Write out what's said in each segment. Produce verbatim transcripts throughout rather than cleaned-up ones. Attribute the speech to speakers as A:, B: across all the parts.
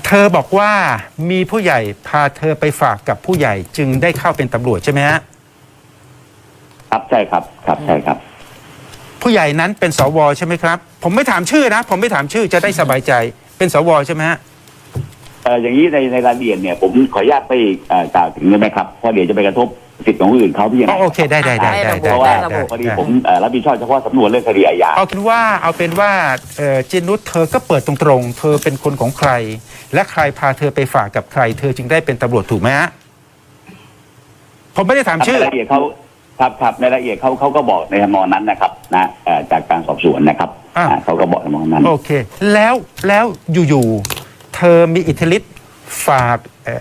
A: เธอบอกว่ามีผู้ใหญ่พาเธอไปฝากกับผู้ใหญ่จึงได้เข้าเป็นตำรวจใช่ไหมฮะ
B: ครับใช่ครับครับใช่ครับ
A: ผู้ใหญ่นั้นเป็นสวใช่ไหมครับผมไม่ถามชื่อนะผมไม่ถามชื่อจะได้สบายใจเป็นสวใช่ไหมฮะ
B: เอออย่างนี้ในในรายละเอียดเนี่ยผมขออนุญาตไม่กล่าวถึงได้ไหมครับเพราะเดี๋ยวจะไปกระทบสิทธิ์ของผู้อื่นเขาพี่นะ
A: โอเคได้ได้ได้ได้
B: เพราะว่าพอดีผมรับผิดชอบเฉพาะสำนวนเรื่องคดีอาญา
A: เอาเป็นว่าเอาเป็นว่าจินุชเธอก็เปิดตรงๆเธอเป็นคนของใครและใครพาเธอไปฝากกับใครเธอจึงได้เป็นตำรวจถูกไหมฮะผมไม่ได้ถามชื่อ
B: รายละเอียดเขาครับครับในรายละเอียดเขาเขาก็บอกในทำนองนั้นนะครับนะจากการสอบสวนนะครับเขาก็บอกในทำนองนั้น
A: โอเคแล้วแล้วอยู่ๆเธอมีอิทธิฤทธิ์ฝาก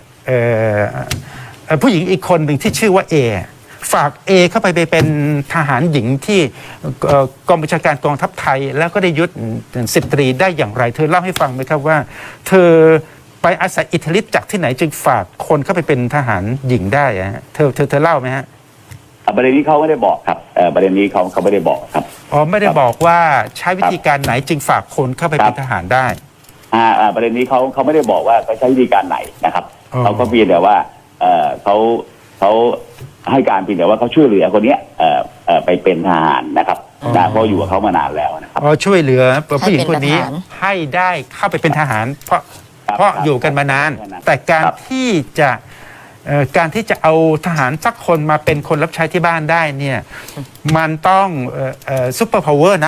A: ผู้หญิงอีกคนหนึ่งที่ชื่อว่าเอฝากเอเข้าไปไปเป็นทหารหญิงที่กองบัญชาการกองทัพไทยแล้วก็ได้ยศสิบตรีได้อย่างไรเธอเล่าให้ฟังไหมครับว่าเธอไปอาศัยอิทธิฤทธิ์จากที่ไหนจึงฝากคนเข้าไปเป็นทหารหญิงได้อะเธอเธอเธอเล่าไหมฮะ
B: ประเด็นนี้เขาไม่ได้บอกครับประเด็นนี้เขาเขาไม่ได้บอกครับ
A: อ๋อไม่ได้บอกว่าใช้วิธีการไหนจึงฝากคนเข้าไปเป็นทหารได้
B: อ่าประเด็นนี้เขาเขาไม่ได้บอกว่าเขาใช้วิธีการไหนนะครับเขาก็เพียงแต่ว่าเออเขาเขาให้การเพียงแต่ว่าเขาช่วยเหลือคนนี้เอ่อเอ่อไปเป็นทหารนะครับนะเพราะอยู่กับเขามานานแล้วนะครับ
A: อ๋อช่วยเหลือผู้หญิงคนนี้ให้ได้เข้าไปเป็นทหาร เพราะเพราะอยู่กันมานานแต่การที่จะการที่จะเอาทหารสักคนมาเป็นคนรับใช้ที่บ้านได้เนี่ยมันต้องซุปเปอร์พาวเวอร์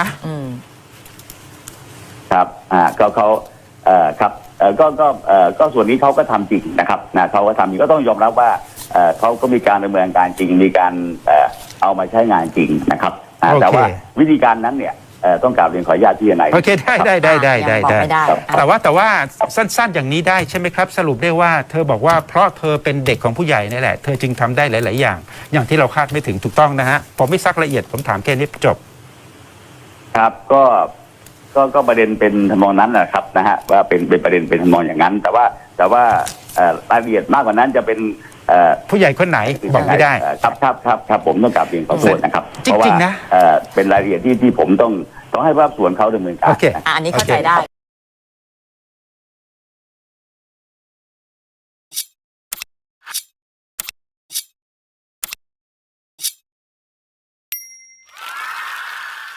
B: นะครับอ่าก็เขาเอ่อครับเอ่อก็ก็เอ่อก็ส่วนนี้เขาก็ทำจริงนะครับนะเขาก็ทำจริงก็ต้องยอมรับว่าเอ่อเขาก็มีการดำเนินการจริงมีการเอ่อเอามาใช้งานจริงนะครับแต่ว่าวิธีการนั้นเนี่ยต้องกราบเรียนขออนุญาตที่ไหน
A: โอเคได้ได้ได้ได้ได้ได้แต่ว่าแต่ว่าสั้นๆอย่างนี้ได้ใช่ไหมครับสรุปได้ว่าเธอบอกว่าเพราะเธอเป็นเด็กของผู้ใหญ่นี่แหละเธอจึงทำได้หลายๆอย่างอย่างที่เราคาดไม่ถึงถูกต้องนะฮะผมไม่ซักละเอียดผมถามแค่นี้จบ
B: ครับก็ก็ก็ประเด็นเป็นทำนองนั้นแหละครับนะฮะว่าเป็นเป็นประเด็นเป็นทำนองอย่างนั้นแต่ว่าแต่ว่ารายละเอียดมากกว่านั้นจะเป็น
A: ผู้ใหญ่คนไหนบอกไม่ได้
B: ครับครับครับครับผมต้องกราบเรียนขอโทษนะครับ
A: จริงๆนะ
B: เป็นรายละเอียดที่ที่ผมต้องต้องให้ภาคส่วนเขาดำเนินการ
C: อันนี้เข้าใจได้